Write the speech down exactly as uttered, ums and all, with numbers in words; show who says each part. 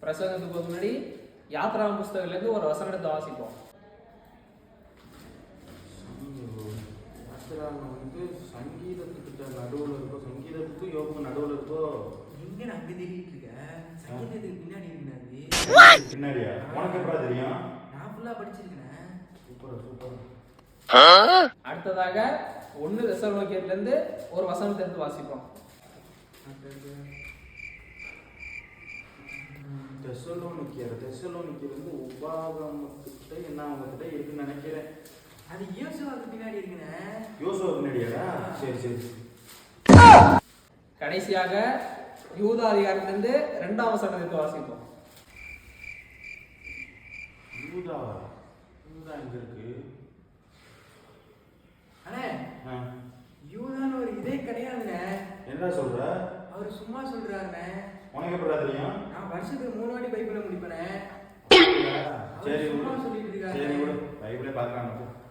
Speaker 1: பிரசங்கத்துக்கு போக முன்னாடி யாத்ரா புஸ்தகத்திலேருந்து ஒரு வசனத்தை வாசிப்போம்.
Speaker 2: யாத்திராங்க வந்து சங்கீதத்துக்கிட்ட நடுவில் இருக்கோ, சங்கீதத்துக்கும் யோகம் நடுவில் இருக்கோ.
Speaker 3: எங்க நான் அப்படி தேடிட்டு இருக்கேன். சங்கீதத்துக்கு பின்னாடி இருக்கிறாரு.
Speaker 2: பின்னாடியா? உனக்கு எப்படா தெரியும்?
Speaker 3: நான் ஃபுல்லா படிச்சிருக்கேன்.
Speaker 2: Super super.
Speaker 1: அடுத்ததாக ஒன்னு தெசலோனிக்கேயர்லேருந்து ஒரு வசனத்தை எடுத்து வாசிப்போம்.
Speaker 2: தெசலோனிக்கேயர் தெசலோனிக்கேயர் வந்து உபாகமத்துக்கிட்ட என்ன அவங்ககிட்ட இருக்குன்னு நினைக்கிறேன்.
Speaker 3: அது யோசுவாவுக்கு பின்னாடி இருக்குண்ணே.
Speaker 2: யோசுவா பின்னாடியாடா? சரி சரி.
Speaker 1: கடைசியாக யூதா அதிகாரத்திலிருந்து இரண்டாம் வசனத்தை எடுத்து வாசிப்போம்.
Speaker 2: யூதா யூதா எங்க இருக்கு?
Speaker 3: அண்ணே,
Speaker 2: ஆ,
Speaker 3: யூதான்னு ஒரு இதே கிடையாதுண்ணே.
Speaker 2: என்ன சொல்ற?
Speaker 3: அவர் சும்மா சொல்றாருண்ணே.
Speaker 2: உனக்கு எப்படா தெரியும்?
Speaker 3: நான் வருஷத்துக்கு மூணு வாட்டி பைபிளை முடிப்பேனே.
Speaker 2: சரி
Speaker 3: சும்மா சொல்லிட்டு
Speaker 2: சரி
Speaker 3: இருக்காரு.
Speaker 2: பைபிளே பார்க்கலாம்.